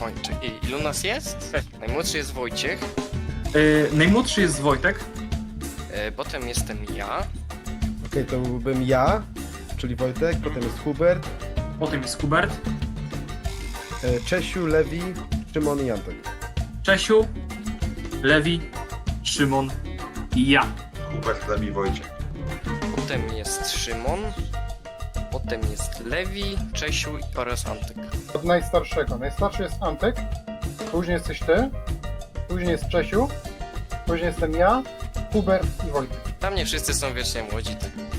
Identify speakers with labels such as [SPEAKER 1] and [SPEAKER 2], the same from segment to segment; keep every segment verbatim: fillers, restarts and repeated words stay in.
[SPEAKER 1] kończę. I ilu nas jest? Najmłodszy jest Wojciech,
[SPEAKER 2] Yy, najmłodszy jest Wojtek.
[SPEAKER 1] e, potem jestem ja,
[SPEAKER 3] Okej, to byłbym ja, czyli Wojtek, potem jest Hubert,
[SPEAKER 2] Potem jest Hubert.
[SPEAKER 3] e, Czesiu, Lewi, Szymon i Antek.
[SPEAKER 2] Czesiu, Lewi, Szymon i ja.
[SPEAKER 4] Hubert, Lewi, Wojciech.
[SPEAKER 1] potem jest Szymon, potem jest Lewi, Czesiu oraz Antek.
[SPEAKER 5] Od najstarszego. Najstarszy jest Antek, później jesteś ty, później jest Czesiu, później jestem ja, Hubert i Wojtek.
[SPEAKER 1] Dla mnie wszyscy są wiecznie młodzi.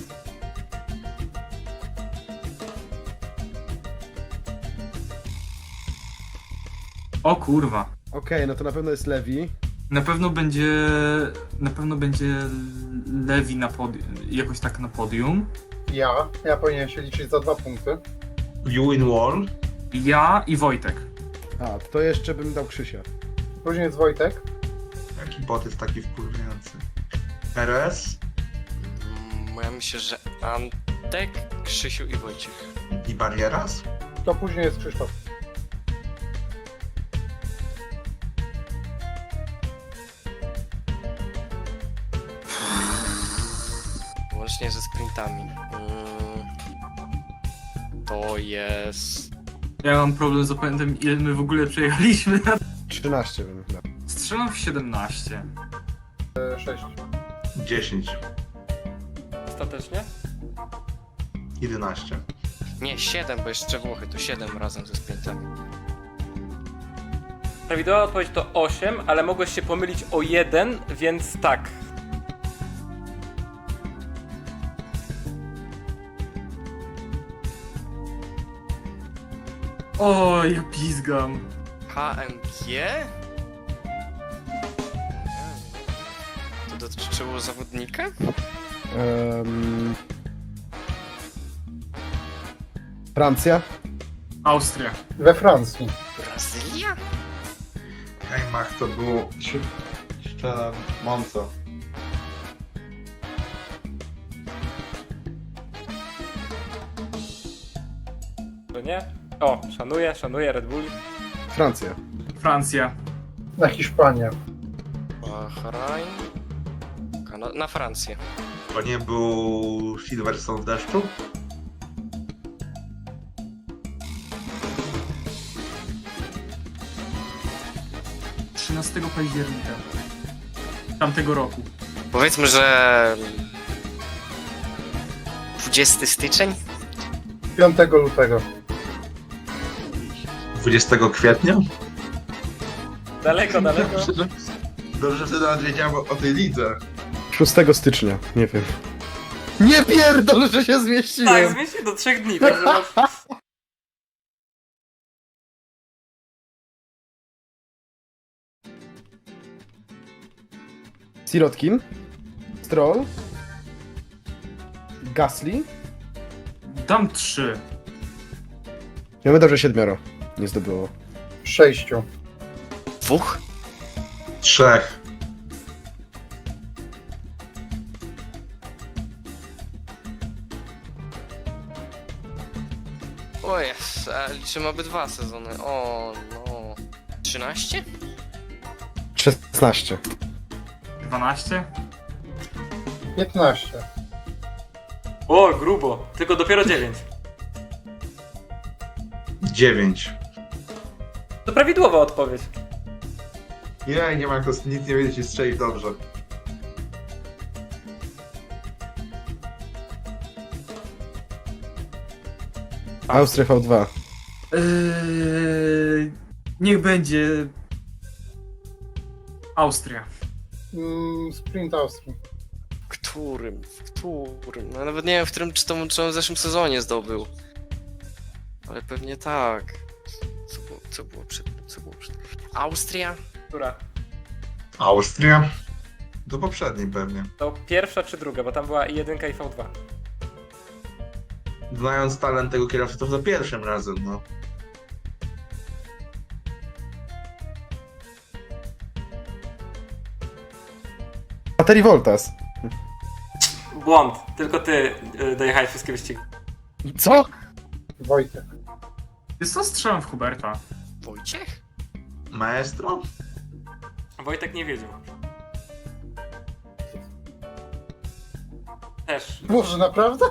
[SPEAKER 2] O kurwa.
[SPEAKER 3] Okej, no to na pewno jest Lewi.
[SPEAKER 2] Na pewno będzie... Na pewno będzie Lewi na podium, jakoś tak na podium.
[SPEAKER 5] Ja, ja powinien się liczyć za dwa punkty.
[SPEAKER 4] You in Wall.
[SPEAKER 2] Ja i Wojtek.
[SPEAKER 3] A, to jeszcze bym dał Krzysia.
[SPEAKER 5] Później jest Wojtek,
[SPEAKER 4] Jaki bot jest taki wkurwiający. R S
[SPEAKER 1] Mm, Ja myślę, że Antek, Krzysiu i Wojciech.
[SPEAKER 4] i Barieras.
[SPEAKER 5] to później jest Krzysztof.
[SPEAKER 1] Łącznie ze sprintami. Mm, To jest...
[SPEAKER 2] Ja mam problem z opędem, ile my w ogóle przejechaliśmy.
[SPEAKER 3] trzynaście bym dał.
[SPEAKER 2] Strzelam w siedemnaście.
[SPEAKER 5] E, sześć.
[SPEAKER 4] dziesięć.
[SPEAKER 6] Ostatecznie?
[SPEAKER 4] jedenaście.
[SPEAKER 1] Nie, siedem, bo jeszcze Włochy, to siedem razem ze sprintami.
[SPEAKER 6] Prawidłowa odpowiedź to osiem, ale mogłeś się pomylić o jeden, więc tak.
[SPEAKER 2] O, ja pizgam.
[SPEAKER 1] H M G? To dotyczyło zawodnika?
[SPEAKER 3] Um, Francja?
[SPEAKER 2] Austria.
[SPEAKER 5] We Francji.
[SPEAKER 1] Brazylia?
[SPEAKER 4] Heimach to było... Szczerze, Monco.
[SPEAKER 6] To nie? O, szanuję, szanuję Red Bull.
[SPEAKER 3] Francja.
[SPEAKER 2] Francja.
[SPEAKER 5] Na Hiszpanię.
[SPEAKER 1] Bahrain? Kana- na Francję.
[SPEAKER 4] To nie był Silverstone w deszczu?
[SPEAKER 2] trzynastego października. Tamtego roku.
[SPEAKER 1] Powiedzmy, że... dwudziestego styczeń?
[SPEAKER 5] piątego lutego.
[SPEAKER 4] dwudziestego kwietnia?
[SPEAKER 6] Daleko, daleko.
[SPEAKER 4] Dobrze, że nawet wiedziałem o tej lidze.
[SPEAKER 3] szóstego stycznia, nie wiem. Nie pierdol, że się
[SPEAKER 6] Tak,
[SPEAKER 3] zmieściłem!
[SPEAKER 6] zmieść się do trzech dni, także masz...
[SPEAKER 3] Sirotkin, Stroll, Gasly.
[SPEAKER 2] Dam trzy.
[SPEAKER 3] Ja bym dał, że siedmioro nie zdobyło.
[SPEAKER 5] Sześciu.
[SPEAKER 1] Dwóch?
[SPEAKER 4] Trzech.
[SPEAKER 1] O jest, a liczymy obydwa sezony. O no... trzynaście?
[SPEAKER 3] szesnaście.
[SPEAKER 2] dwanaście.
[SPEAKER 5] piętnaście.
[SPEAKER 6] O, grubo. Tylko dopiero dziewięć.
[SPEAKER 4] dziewięć.
[SPEAKER 6] To prawidłowa odpowiedź.
[SPEAKER 4] Nie, nie ma jak to nic nie wiedzieć i strzelić dobrze.
[SPEAKER 3] Austria V dwa.
[SPEAKER 2] Eee, niech będzie... Austria.
[SPEAKER 5] Mm, sprint Austrii.
[SPEAKER 1] W którym? W którym? No nawet nie wiem, w którym czy to czy on w zeszłym sezonie zdobył. Ale pewnie tak. Co było, co było przed co było przed... Austria?
[SPEAKER 6] Która?
[SPEAKER 4] Austria? Do poprzedniej pewnie.
[SPEAKER 6] To pierwsza czy druga, bo tam była i jeden i V dwa.
[SPEAKER 4] Znając talent tego kierowcy, to za pierwszym razem, no.
[SPEAKER 3] Baterii Voltas.
[SPEAKER 6] Błąd. Tylko ty y, dojechałeś wszystkie wyścigi.
[SPEAKER 3] Co?
[SPEAKER 5] Wojtek.
[SPEAKER 2] Jest to strzelam w Huberta.
[SPEAKER 1] Wojciech?
[SPEAKER 4] Maestro?
[SPEAKER 6] Wojtek nie wiedział. Też.
[SPEAKER 5] Boże, naprawdę?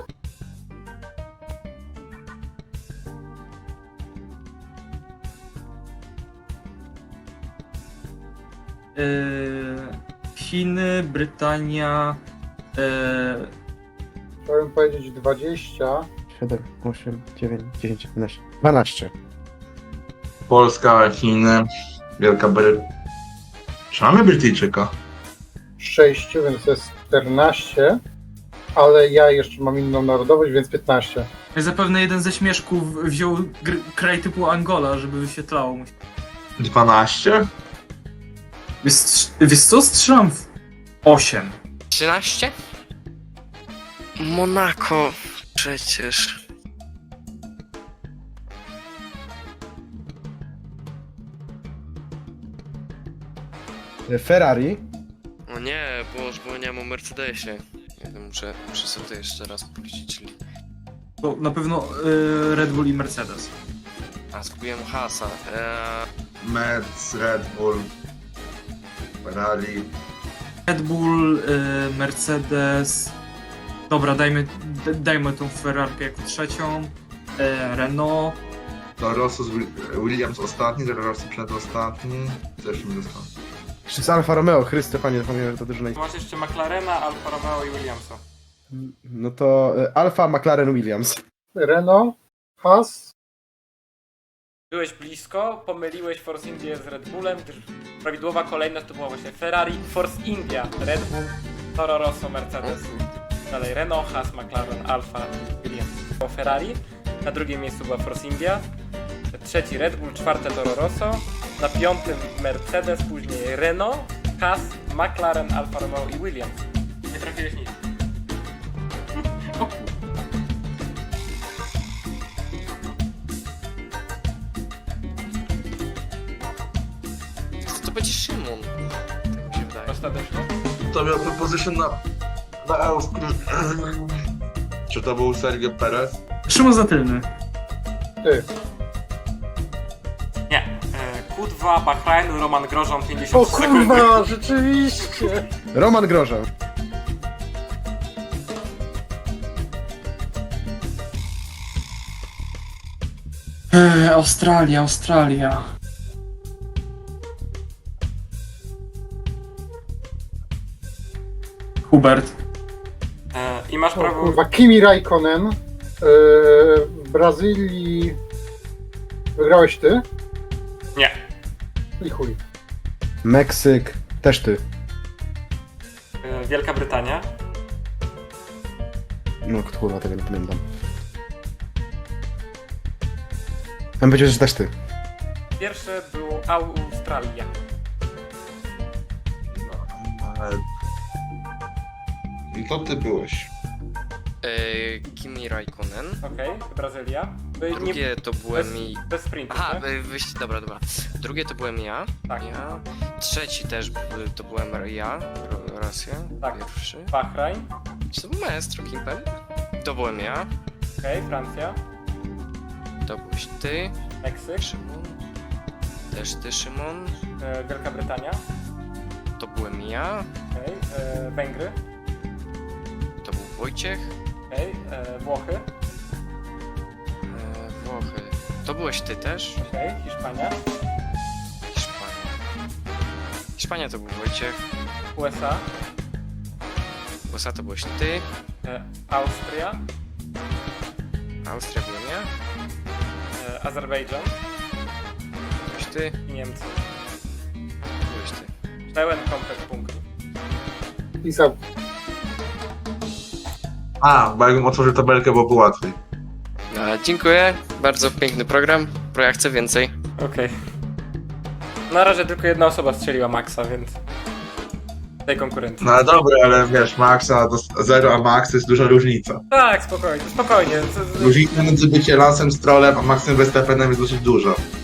[SPEAKER 2] Yy, Chiny, Brytania, yy,
[SPEAKER 5] Chciałem powiedzieć dwadzieścia.
[SPEAKER 3] siedem, osiem, dziewięć, dziesięć, jedenaście, dwanaście.
[SPEAKER 4] Polska, Chiny, Wielka Brytania. Czy mamy Brytyjczyka?
[SPEAKER 5] sześć, więc jest czternaście. Ale ja jeszcze mam inną narodowość, więc piętnaście.
[SPEAKER 2] zapewne jeden ze śmieszków wziął gr- kraj typu Angola, żeby wyświetlało mu się.
[SPEAKER 4] dwanaście?
[SPEAKER 2] Wiesz, wiesz co? Strzelam w osiem.
[SPEAKER 1] trzynaście? Monako. Przecież.
[SPEAKER 3] Ferrari.
[SPEAKER 1] O nie, bo już zapomniałem o Mercedesie. Nie wiem, muszę, muszę sobie to jeszcze raz policzyć, czyli...
[SPEAKER 2] To na pewno yy, Red Bull i Mercedes.
[SPEAKER 1] A, zgubiłem hasa. Eee,
[SPEAKER 4] Merc, Red Bull, Ferrari.
[SPEAKER 2] Red Bull, yy, Mercedes. Dobra, dajmy, d- dajmy tą Ferrarkę jako trzecią. Yy, Renault.
[SPEAKER 4] To Rosso z Wi- Williams ostatni, to Rossi przedostatni. Też mi został.
[SPEAKER 3] Czy z Alfa Romeo, Chryste, panie, zapomniałem, że to drużyna.
[SPEAKER 6] Masz jeszcze McLarena, Alfa Romeo i Williamsa.
[SPEAKER 3] No to e, Alfa, McLaren, Williams.
[SPEAKER 5] Renault, Haas,
[SPEAKER 6] Byłeś blisko, pomyliłeś Force India z Red Bullem, gdyż prawidłowa kolejność to była właśnie Ferrari, Force India, Red Bull, Toro Rosso, Mercedes. Dalej Renault, Haas, McLaren, Alfa i Williams. Było Ferrari, na drugim miejscu była Force India, trzeci Red Bull, czwarte Toro Rosso, na piątym Mercedes, później Renault, Haas, McLaren, Alfa Romeo i Williams. Nie trafiłeś nic. O kur-
[SPEAKER 1] to, to będzie Szymon. Tak mi się wydaje.
[SPEAKER 6] Ostatecznie.
[SPEAKER 4] To miał proposition na, na Austrię. Czy to był Sergio Perez?
[SPEAKER 2] Szymon Zatylny.
[SPEAKER 5] ty.
[SPEAKER 6] Nie. E, Q dwa, Bahrain, Roman Grożon,
[SPEAKER 5] O
[SPEAKER 6] pięćdziesiąt sekund.
[SPEAKER 5] kurwa, rzeczywiście!
[SPEAKER 3] Roman Grożan.
[SPEAKER 2] Eee, Australia, Australia. Hubert.
[SPEAKER 6] E, I masz
[SPEAKER 5] O
[SPEAKER 6] prawo...
[SPEAKER 5] kurwa, Kimi Raikkonen. Yy, w Brazylii wygrałeś ty?
[SPEAKER 6] Nie.
[SPEAKER 5] I chuj.
[SPEAKER 3] Meksyk, też ty.
[SPEAKER 6] E, Wielka Brytania.
[SPEAKER 3] No kurwa, tego nie pamiętam. Mam powiedzieć, że też ty.
[SPEAKER 6] Pierwsze było Australia.
[SPEAKER 4] Ale... I to ty byłeś.
[SPEAKER 1] Eee, Kimi Raikkonen.
[SPEAKER 6] Okej, Brazylia. By nie-
[SPEAKER 1] Drugie to byłem
[SPEAKER 6] bez,
[SPEAKER 1] i...
[SPEAKER 6] bez sprintu,
[SPEAKER 1] Aha,
[SPEAKER 6] nie?
[SPEAKER 1] wy- wyjście, dobra, dobra. Drugie to byłem ja.
[SPEAKER 6] Tak.
[SPEAKER 1] Ja. Trzeci też b- to byłem ja. Ro- Rosja.
[SPEAKER 6] Tak.
[SPEAKER 1] Pierwszy.
[SPEAKER 6] Bahrain.
[SPEAKER 1] Czy to był maestro Kimpel? To byłem ja.
[SPEAKER 6] Okej, Francja.
[SPEAKER 1] To byłeś ty.
[SPEAKER 6] Meksyk.
[SPEAKER 1] Szymon. Też ty, Szymon.
[SPEAKER 6] E, Wielka Brytania.
[SPEAKER 1] To byłem ja.
[SPEAKER 6] Okej, e, Węgry.
[SPEAKER 1] To był Wojciech.
[SPEAKER 6] Okej, e, Włochy.
[SPEAKER 1] E, Włochy. To byłeś ty też.
[SPEAKER 6] Okej, Hiszpania.
[SPEAKER 1] Hiszpania. Hiszpania to był Wojciech.
[SPEAKER 6] U S A.
[SPEAKER 1] U S A to byłeś ty.
[SPEAKER 6] E, Austria.
[SPEAKER 1] Austria byłem ja.
[SPEAKER 6] E, Azerbejdżan.
[SPEAKER 1] Byłeś ty.
[SPEAKER 6] I Niemcy.
[SPEAKER 1] Byłeś ty.
[SPEAKER 6] Pełen komplet punktów.
[SPEAKER 5] I za...
[SPEAKER 4] A, bo jakbym otworzył tabelkę, byłoby łatwiej.
[SPEAKER 1] E, dziękuję. Bardzo piękny program. Pro ja chcę więcej.
[SPEAKER 6] Okej. Na razie tylko jedna osoba strzeliła Maxa, więc... tej konkurencji.
[SPEAKER 4] No ale dobra, ale wiesz, Maxa do zero, a Max jest duża różnica.
[SPEAKER 6] Tak, spokojnie, spokojnie. Z- z-
[SPEAKER 4] Różnica między byciem Lansem Strollem a Maxem Verstappenem jest dosyć duża.